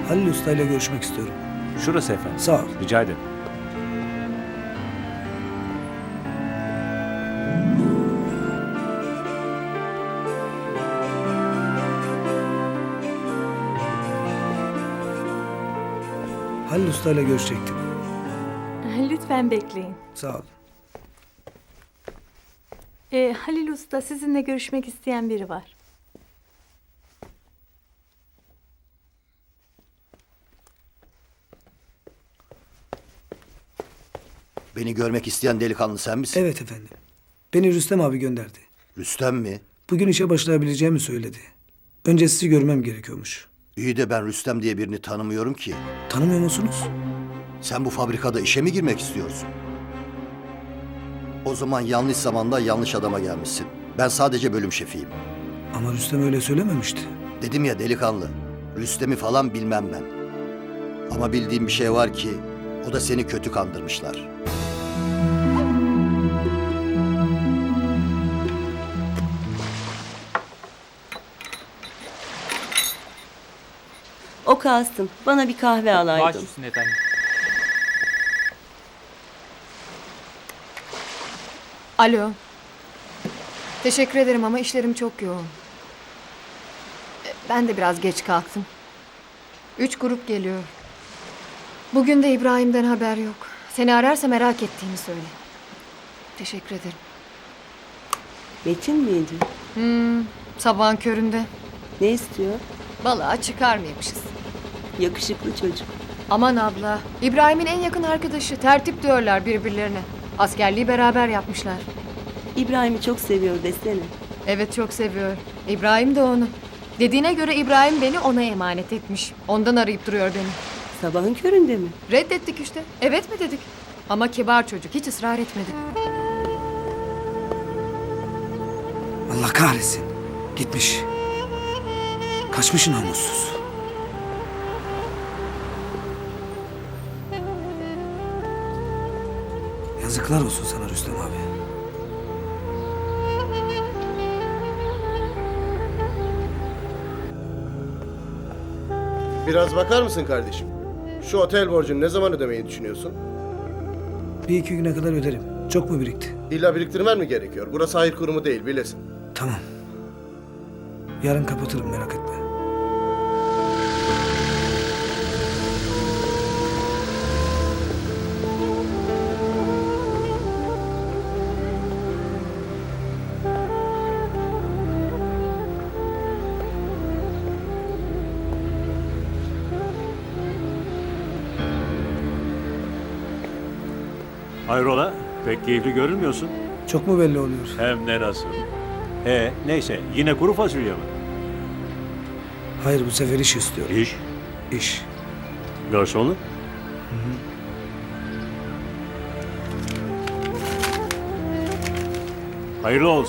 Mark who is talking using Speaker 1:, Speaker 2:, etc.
Speaker 1: Halil Usta ile görüşmek istiyorum.
Speaker 2: Şurası efendim.
Speaker 1: Sağ ol.
Speaker 2: Rica ederim.
Speaker 1: Halil Usta ile görüşecektim.
Speaker 3: Lütfen bekleyin.
Speaker 1: Sağ ol.
Speaker 3: Halil Usta sizinle görüşmek isteyen biri var.
Speaker 4: Beni görmek isteyen delikanlı sen misin?
Speaker 1: Evet efendim. Beni Rüstem abi gönderdi.
Speaker 4: Rüstem mi?
Speaker 1: Bugün işe başlayabileceğimi söyledi. Önce sizi görmem gerekiyormuş.
Speaker 4: İyi de ben Rüstem diye birini tanımıyorum ki.
Speaker 1: Tanımıyor musunuz?
Speaker 4: Sen bu fabrikada işe mi girmek istiyorsun? O zaman yanlış zamanda yanlış adama gelmişsin. Ben sadece bölüm şefiyim.
Speaker 1: Ama Rüstem öyle söylememişti.
Speaker 4: Dedim ya delikanlı, Rüstem'i falan bilmem ben. Ama bildiğim bir şey var ki, o da seni kötü kandırmışlar.
Speaker 5: O Kasım, bana bir kahve alaydın.
Speaker 6: Baş üstüne efendim.
Speaker 7: Alo. Teşekkür ederim ama işlerim çok yoğun. Ben de biraz geç kalktım. 3 grup geliyor. Bugün de İbrahim'den haber yok. Seni ararsa merak ettiğini söyle. Teşekkür ederim.
Speaker 5: Metin miydi?
Speaker 7: Sabahın köründe.
Speaker 5: Ne istiyor?
Speaker 7: Balığa çıkar mıymışız?
Speaker 5: Yakışıklı çocuk.
Speaker 7: Aman abla. İbrahim'in en yakın arkadaşı. Tertip diyorlar birbirlerine. Askerliği beraber yapmışlar.
Speaker 5: İbrahim'i çok seviyor desene.
Speaker 7: Evet çok seviyor. İbrahim de onu. Dediğine göre İbrahim beni ona emanet etmiş. Ondan arayıp duruyor beni.
Speaker 5: Sabahın köründe mi?
Speaker 7: Reddettik işte. Evet mi dedik? Ama kibar çocuk. Hiç ısrar etmedi.
Speaker 1: Allah kahretsin. Gitmiş. Kaçmış namussuz. Yazıklar olsun sana Rüstem abi.
Speaker 8: Biraz bakar mısın kardeşim? Şu otel borcunu ne zaman ödemeyi düşünüyorsun?
Speaker 1: Bir iki güne kadar öderim. Çok mu birikti?
Speaker 8: İlla biriktirmen mi gerekiyor? Burası hayır kurumu değil bilesin.
Speaker 1: Tamam. Yarın kapatırım merak etme.
Speaker 2: Hayrola? Pek keyifli görünmüyorsun.
Speaker 1: Çok mu belli oluyor?
Speaker 2: Hem de nasıl. Neyse yine kuru fasulye mi?
Speaker 1: Hayır bu sefer iş istiyorum.
Speaker 2: İş.
Speaker 1: İş.
Speaker 2: Garsonluk. Hayırlı olsun.